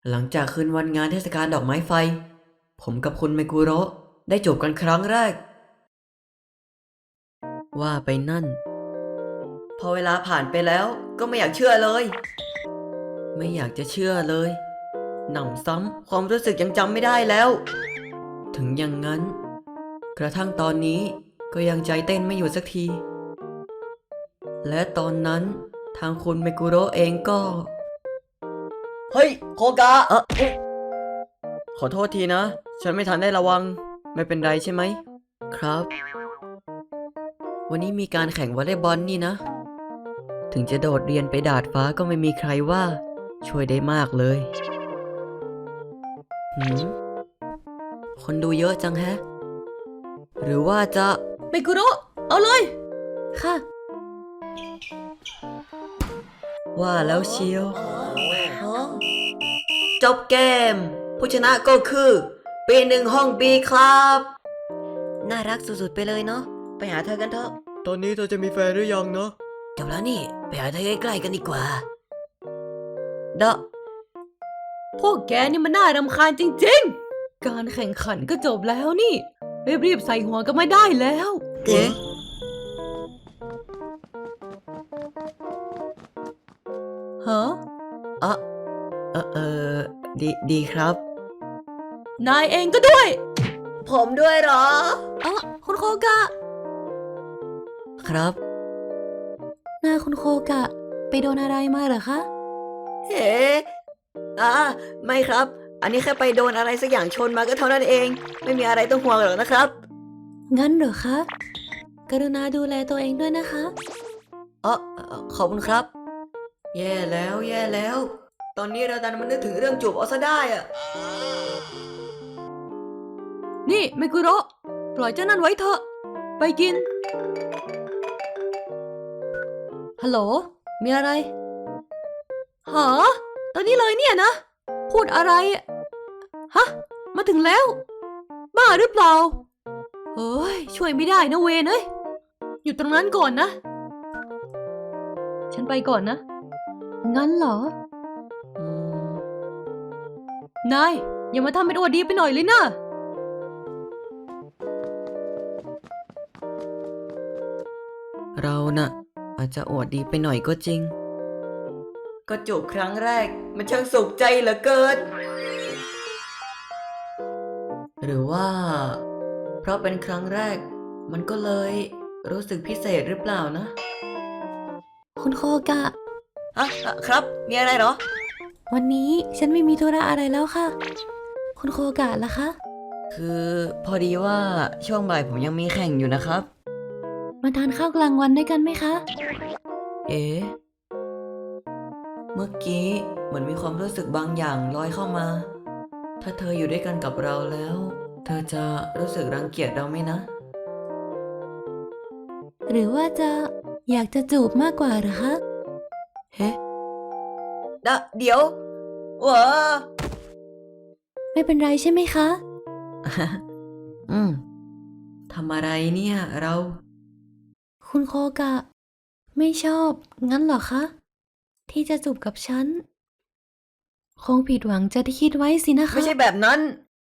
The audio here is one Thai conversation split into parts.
หลังจากคืนวันงานเทศกาลดอกไม้ไฟผมกับคุณไมกุโระได้จูบกันครั้งแรกว่าไปนั่นพอเวลาผ่านไปแล้วก็ไม่อยากเชื่อเลยไม่อยากจะเชื่อเลยหนำซ้ำความรู้สึกยังจำไม่ได้แล้วถึงอย่างนั้นกระทั่งตอนนี้ก็ยังใจเต้นไม่อยู่สักทีและตอนนั้นทางคุณไมกุโระเองก็เฮ้ยโคกะขอโทษทีนะฉันไม่ทันได้ระวังไม่เป็นไรใช่ไหมครับวันนี้มีการแข่งวอลเลย์บอลนี่นะถึงจะโดดเรียนไปดาดฟ้าก็ไม่มีใครว่าช่วยได้มากเลยคนดูเยอะจังแฮะหรือว่าจะไมกุโระเอาเลยค่ะว่าแล้วเชียวจบเกมผู้ชนะก็คือปีหนึ่งห้องบีครับน่ารักสุดๆไปเลยเนาะไปหาเธอกันเถอะตอนนี้เธอจะมีแฟนหรือยังเนาะจบแล้วนี่ไปหาเธอใกล้ๆกันดีกว่าพวกแกนี่มันน่ารำคาญจริงๆการแข่งขันก็จบแล้วนี่รีบๆใส่หัวกันมาได้แล้วเอ๊ะฮะอ่ะดีครับนายเองก็ด้วยผมด้วยเหรอคุณโคกะครับคุณโคกะไปโดนอะไรมาเหรอคะเฮ้ไม่ครับอันนี้แค่ไปโดนอะไรสักอย่างชนมาก็เท่านั้นเองไม่มีอะไรต้องห่วงหรอกนะครับงั้นเหรอคะกรุณาดูแลตัวเองด้วยนะคะขอบคุณครับแย่แล้วตอนนี้เราดันมานึกถึงเรื่องจูบเอาซะได้อะนี่ไมกุโระปล่อยเจ้านั่นไว้เถอะไปกินฮัลโหลมีอะไรหาตอนนี้เลยเนี่ยนะพูดอะไรฮะมาถึงแล้วบ้าหรือเปล่าเฮ้ยช่วยไม่ได้นะเวนเอ้ยอยู่ตรงนั้นก่อนนะฉันไปก่อนนะงั้นเหรอนายอย่ามาทำเป็นอวดดีไปหน่อยเลยนะเราน่ะอาจจะอวดดีไปหน่อยก็จริงก็จูบครั้งแรกมันช่างสุขใจเหลือเกินหรือว่าเพราะเป็นครั้งแรกมันก็เลยรู้สึกพิเศษหรือเปล่านะคุณโคกะครับมีอะไรเหรอวันนี้ฉันไม่มีธุระอะไรแล้วค่ะคุณโคกะล่ะคะคือพอดีว่าช่วงบ่ายผมยังมีแข่งอยู่นะครับมาทานข้าวกลางวันด้วยกันไหมคะเอ๊ะเมื่อกี้เหมือนมีความรู้สึกบางอย่างลอยเข้ามาถ้าเธออยู่ด้วยกันกับเราแล้วเธอจะรู้สึกรังเกียจเราไหมนะหรือว่าจะอยากจะจูบมากกว่าหรือคะเฮ้เดี๋ยววะไม่เป็นไรใช่ไหมคะทำอะไรเนี่ยเราคุณโคกะไม่ชอบงั้นเหรอคะที่จะจูบกับฉันคงผิดหวังจะที่คิดไว้สินะคะไม่ใช่แบบนั้น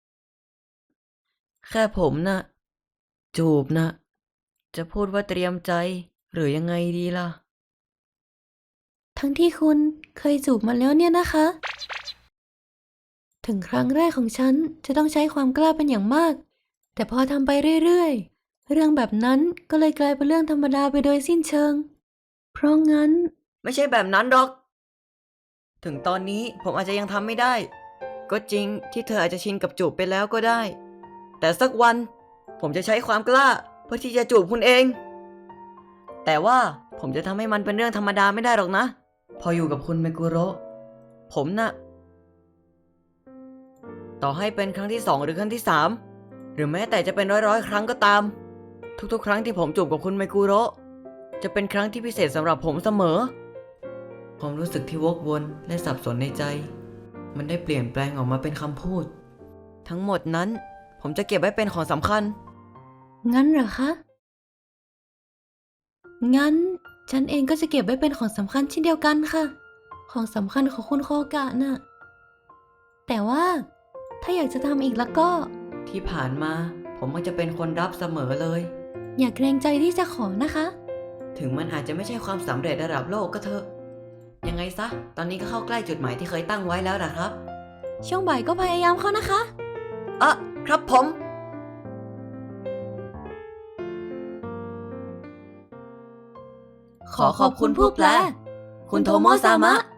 แค่ผมน่ะจูบน่ะจะพูดว่าเตรียมใจหรือยังไงดีล่ะทั้งที่คุณเคยจูบมาแล้วเนี่ยนะคะ ถึงครั้งแรกของฉันจะต้องใช้ความกล้าเป็นอย่างมากแต่พอทำไปเรื่อยๆเรื่องแบบนั้นก็เลยกลายเป็นเรื่องธรรมดาไปโดยสิ้นเชิงเพราะงั้นไม่ใช่แบบนั้นหรอกถึงตอนนี้ผมอาจจะยังทำไม่ได้ก็จริงที่เธออาจจะชินกับจูบไปแล้วก็ได้แต่สักวันผมจะใช้ความกล้าเพื่อที่จะจูบคุณเองแต่ว่าผมจะทำให้มันเป็นเรื่องธรรมดาไม่ได้หรอกนะพออยู่กับคุณไมกุโระผมน่ะต่อให้เป็นครั้งที่2หรือครั้งที่3หรือแม้แต่จะเป็นร้อยครั้งก็ตามทุกๆครั้งที่ผมจูบกับคุณไมกุโระจะเป็นครั้งที่พิเศษสำหรับผมเสมอความรู้สึกที่วกวนและสับสนในใจมันได้เปลี่ยนแปลงออกมาเป็นคำพูดทั้งหมดนั้นผมจะเก็บไว้เป็นของสำคัญงั้นเหรอคะงั้นฉันเองก็จะเก็บไว้เป็นของสำคัญเช่นเดียวกันค่ะของสำคัญของคุณโคกะน่ะแต่ว่าถ้าอยากจะทำอีกแล้วก็ที่ผ่านมาผมมักจะเป็นคนรับเสมอเลยอย่าเกรงใจที่จะขอนะคะถึงมันอาจจะไม่ใช่ความสำเร็จระดับโลกก็เถอะ ยังไงซะ ตอนนี้ก็เข้าใกล้จุดหมายที่เคยตั้งไว้แล้วนะครับช่วงบ่ายก็พยายามเข้านะคะอ่ะครับผม ขอขอบคุณผู้แปล คุณโทโมะซามะ